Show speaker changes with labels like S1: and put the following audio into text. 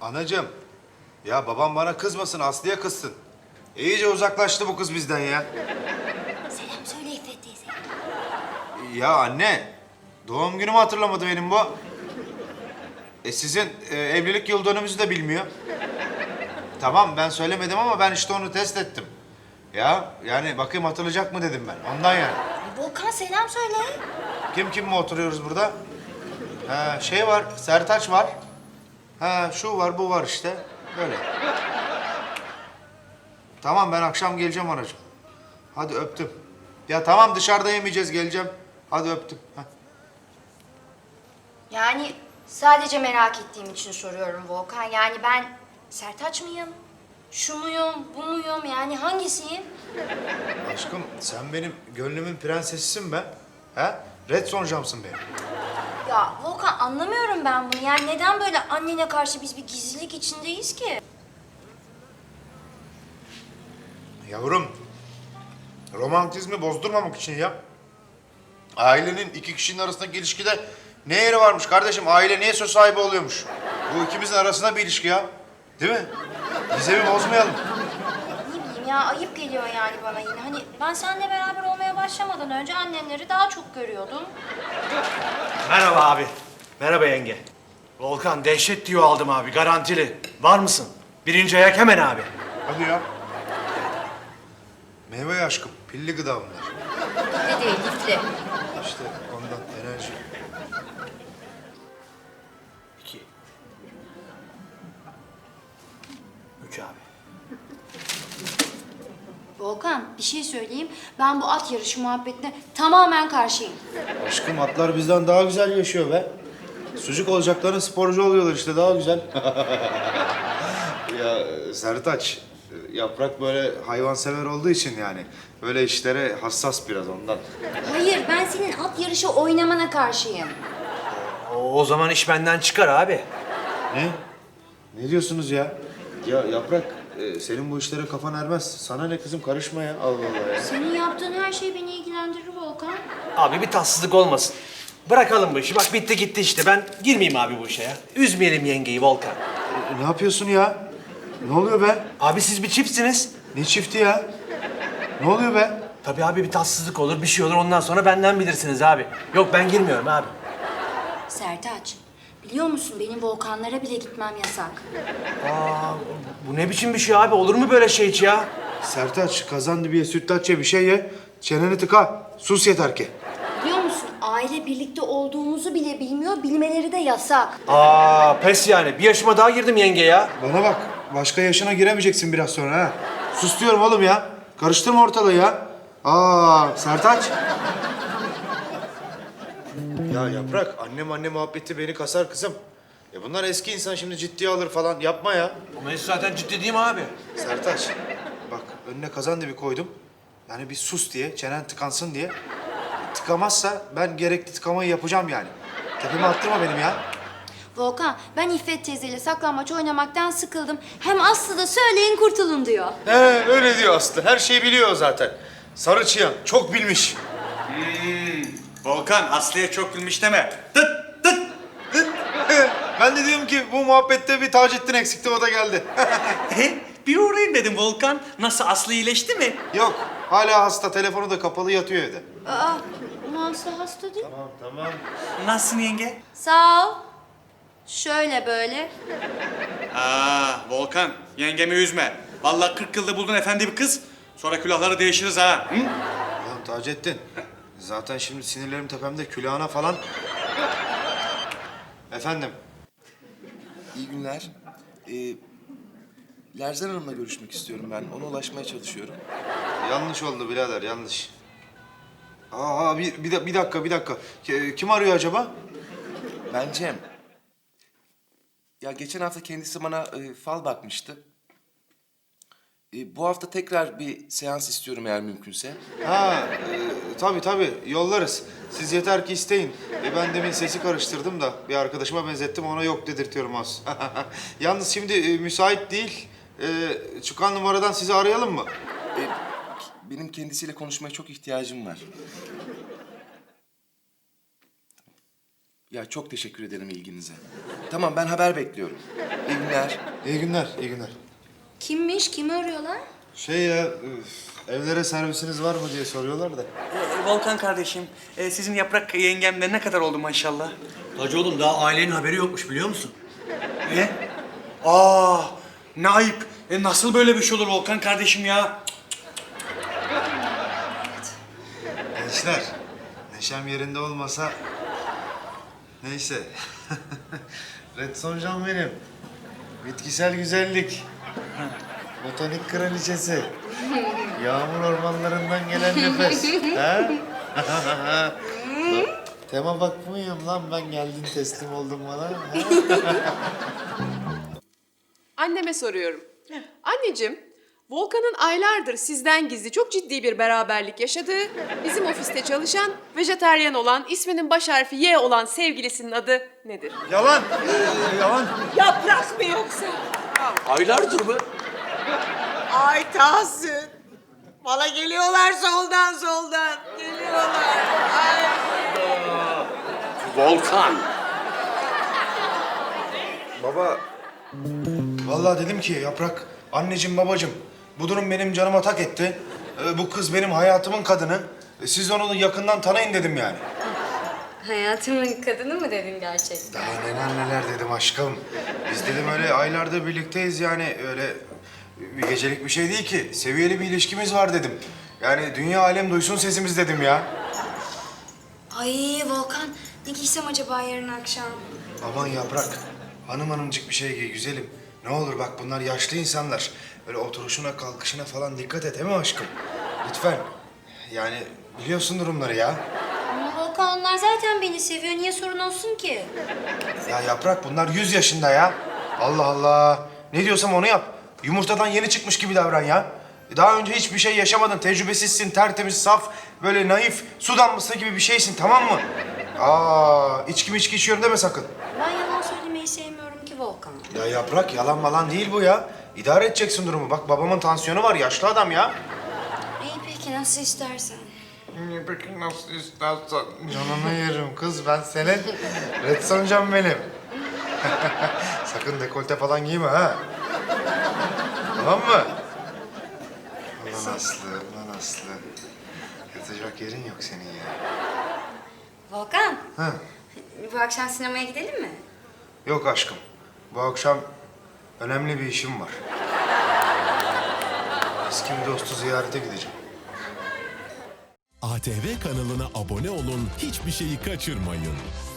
S1: Anacığım, ya babam bana kızmasın, Aslı'ya kızsın. İyice uzaklaştı bu kız bizden ya.
S2: Selam söyle İffet teyze.
S1: Ya anne, doğum günümü hatırlamadı benim bu. Sizin evlilik yıl dönümümüzü de bilmiyor. Tamam, ben söylemedim ama ben işte onu test ettim. Ya, yani bakayım hatırlayacak mı dedim ben, ondan yani.
S2: Volkan selam söyle.
S1: Kim mi oturuyoruz burada? Ha, şey var, Sertaç var. Ha, şu var, bu var işte. Böyle. Tamam, ben akşam geleceğim anacığım. Hadi öptüm. Ya tamam, dışarıda yemeyeceğiz, geleceğim. Hadi öptüm. Heh.
S2: Yani sadece merak ettiğim için soruyorum Volkan. Yani ben Sertaç mıyım? Şu muyum, bu muyum? Yani hangisiyim?
S1: Aşkım, sen benim gönlümün prensesisin be. Ha? Red Sonjam'sın benim.
S2: Ya Volkan anlamıyorum ben bunu. Yani neden böyle annene karşı biz bir gizlilik içindeyiz ki?
S1: Yavrum, romantizmi bozdurmamak için ya. Ailenin iki kişinin arasındaki ilişkide ne yeri varmış kardeşim? Aile niye söz sahibi oluyormuş? Bu ikimizin arasında bir ilişki ya. Değil mi? Gizemi bozmayalım.
S2: Ne bileyim ya ayıp geliyor yani bana yine. Hani ben seninle beraber olmaya başlamadan önce annenleri daha çok görüyordum.
S3: Merhaba abi. Merhaba yenge. Volkan dehşet diyor aldım abi garantili. Var mısın? Birinci ayak hemen abi.
S1: Hadi ya. Meyve aşkım, pilli gıda bunlar.
S2: Ne değil, lifli.
S1: İşte ondan enerji.
S3: 2 3 abi.
S2: Volkan bir şey söyleyeyim. Ben bu at yarışı muhabbetine tamamen karşıyım.
S1: Aşkım, atlar bizden daha güzel yaşıyor be. Sucuk olacakların sporcu oluyorlar işte, daha güzel. Ya Sertaç, Yaprak böyle hayvansever olduğu için yani böyle işlere hassas biraz ondan.
S2: Hayır ben senin at yarışı oynamana karşıyım.
S3: O zaman iş benden çıkar abi.
S1: Ne? Ne diyorsunuz ya? Ya Yaprak, senin bu işlere kafan ermez. Sana ne kızım, karışma ya. Allah Allah ya.
S2: Senin yaptığın her şey beni ilgilendirir Volkan.
S3: Abi bir tatsızlık olmasın. Bırakalım bu işi. Bak bitti gitti işte. Ben girmeyeyim abi bu işe ya. Üzmeyelim yengeyi Volkan.
S1: Ne yapıyorsun ya? Ne oluyor be?
S3: Abi siz bir çiftsiniz.
S1: Ne çifti ya? Ne oluyor be?
S3: Tabii abi bir tatsızlık olur, bir şey olur. Ondan sonra benden bilirsiniz abi. Yok ben girmiyorum abi.
S2: Sertaç biliyor musun benim Volkanlara bile gitmem yasak.
S3: Aa, bu ne biçim bir şey abi? Olur mu böyle şey hiç ya?
S1: Sertaç, kazan dibiye sütlaç ye, bir şey ye. Çeneni tıka. Sus yeter ki.
S2: Biliyor musun aile birlikte olduğumuzu bile bilmiyor, bilmeleri de yasak.
S3: Aa, pes yani. Bir yaşıma daha girdim yenge ya.
S1: Bana bak, başka yaşına giremeyeceksin biraz sonra ha. Sus diyorum oğlum ya. Karıştırma ortalığı ya. Aa, Sertaç. Ya Yaprak, anne muhabbeti beni kasar kızım. Bunlar eski insan, şimdi ciddiye alır falan. Yapma ya.
S3: Bu mevzu zaten ciddi değil mi abi?
S1: Sertaç, bak önüne kazan dibi koydum. Yani bir sus diye, çenen tıkansın diye. Tıkamazsa ben gerekli tıkamayı yapacağım yani. Tepeme attırma benim ya.
S2: Volkan ben İffet teyzeyle saklambaç oynamaktan sıkıldım. Hem Aslı da söyleyin kurtulun diyor.
S1: He, öyle diyor Aslı. Her şeyi biliyor o zaten. Sarı çıyan, çok bilmiş.
S4: Volkan, Aslı'ya çok bilmiş deme. Tıt tıt.
S1: Ben de diyorum ki bu muhabbette bir Taceddin eksikti, o da geldi.
S4: Bir uğrayayım dedim Volkan. Nasıl, Aslı iyileşti mi?
S1: Yok, hala hasta. Telefonu da kapalı, yatıyor evde.
S2: Aa, Aslı hasta değil.
S1: Tamam.
S4: Nasılsın yenge?
S2: Sağ ol. Şöyle böyle.
S4: Volkan, yengemi üzme. Vallahi 40 yılda buldun efendi bir kız. Sonra külahları değişiriz ha. Hı?
S1: Ya Taceddin, zaten şimdi sinirlerim tepemde, külahına falan. Efendim?
S5: İyi günler. Lerzan Hanım'la görüşmek istiyorum ben. Ona ulaşmaya çalışıyorum.
S1: Yanlış oldu birader, yanlış. Bir dakika. Kim arıyor acaba?
S5: Ben Cem. Ya geçen hafta kendisi bana fal bakmıştı. Bu hafta tekrar bir seans istiyorum eğer mümkünse.
S1: Tabii, yollarız. Siz yeter ki isteyin. Ben demin sesi karıştırdım da bir arkadaşıma benzettim, ona yok dedirtiyorum az. Yalnız şimdi müsait değil. Çıkan numaradan sizi arayalım mı?
S5: Benim kendisiyle konuşmaya çok ihtiyacım var. Ya çok teşekkür ederim ilginize. Tamam, ben haber bekliyorum. İyi günler.
S1: İyi günler, iyi günler.
S2: Kimmiş? Kimi arıyorlar?
S1: Şey ya, evlere servisiniz var mı diye soruyorlar da.
S4: Volkan kardeşim, sizin Yaprak yengemle ne kadar oldu maşallah?
S3: Hacı oğlum daha ailenin haberi yokmuş biliyor musun?
S4: Ne? Aa, ne ayıp. Nasıl böyle bir şey olur Volkan kardeşim ya?
S1: Gençler, neşem yerinde olmasa... Neyse. Red Sonjan benim. Bitkisel güzellik. Botanik kraliçesi. Yağmur ormanlarından gelen nefes. Ha? Tema bakmıyorum lan ben, geldin teslim oldun bana. Ha?
S6: Anneme soruyorum. Anneciğim, Volkan'ın aylardır sizden gizli çok ciddi bir beraberlik yaşadığı, bizim ofiste çalışan, vejetaryen olan, isminin baş harfi Y olan sevgilisinin adı nedir?
S1: Yalan. Yalan.
S7: Yaprak mı yoksa?
S3: Aylardır mı?
S7: Ay Tahsin. Bana geliyorlar soldan. Geliyorlar. Ay.
S3: Volkan.
S1: Baba, vallahi dedim ki Yaprak, anneciğim babacığım, bu durum benim canıma tak etti. Bu kız benim hayatımın kadını. Siz onu yakından tanıyın dedim yani.
S2: Hayatımın kadını mı dedin gerçekten?
S1: Daha neler dedim aşkım. Biz dedim öyle aylardır birlikteyiz yani, öyle bir gecelik bir şey değil ki. Seviyeli bir ilişkimiz var dedim. Yani dünya alem duysun sesimiz dedim ya.
S2: Ay Volkan, ne giysem acaba yarın akşam?
S1: Aman Yaprak, hanımcık bir şey giy güzelim. Ne olur bak, bunlar yaşlı insanlar. Böyle oturuşuna kalkışına falan dikkat et, değil mi aşkım? Lütfen. Yani biliyorsun durumları ya.
S2: Ama Volkan, onlar zaten beni seviyor. Niye sorun olsun ki?
S1: Ya Yaprak, bunlar 100 yaşında ya. Allah Allah. Ne diyorsam onu yap. Yumurtadan yeni çıkmış gibi davran ya. Daha önce hiçbir şey yaşamadın. Tecrübesizsin, tertemiz, saf, böyle naif, su damlası gibi bir şeysin, tamam mı? İçki içiyorum deme sakın.
S2: Ben yalan söylemeyi sevmiyorum ki Volkan.
S1: Ya Yaprak, yalan malan değil bu ya. İdare edeceksin durumu. Bak babamın tansiyonu var, yaşlı adam ya.
S2: İyi peki, nasıl istersen.
S1: Peki nasıl istersen. Canını yerim kız, ben senin. Red Sonjan benim. Sakın dekolte falan giyme ha. Tamam mı? Ulan Aslı, ulan Aslı. Yatacak yerin yok senin ya.
S2: Volkan,
S1: Ha.
S2: bu akşam sinemaya gidelim mi?
S1: Yok aşkım. Bu akşam önemli bir işim var. Eski bir dostu ziyarete gideceğim.
S8: ATV kanalına abone olun, hiçbir şeyi kaçırmayın.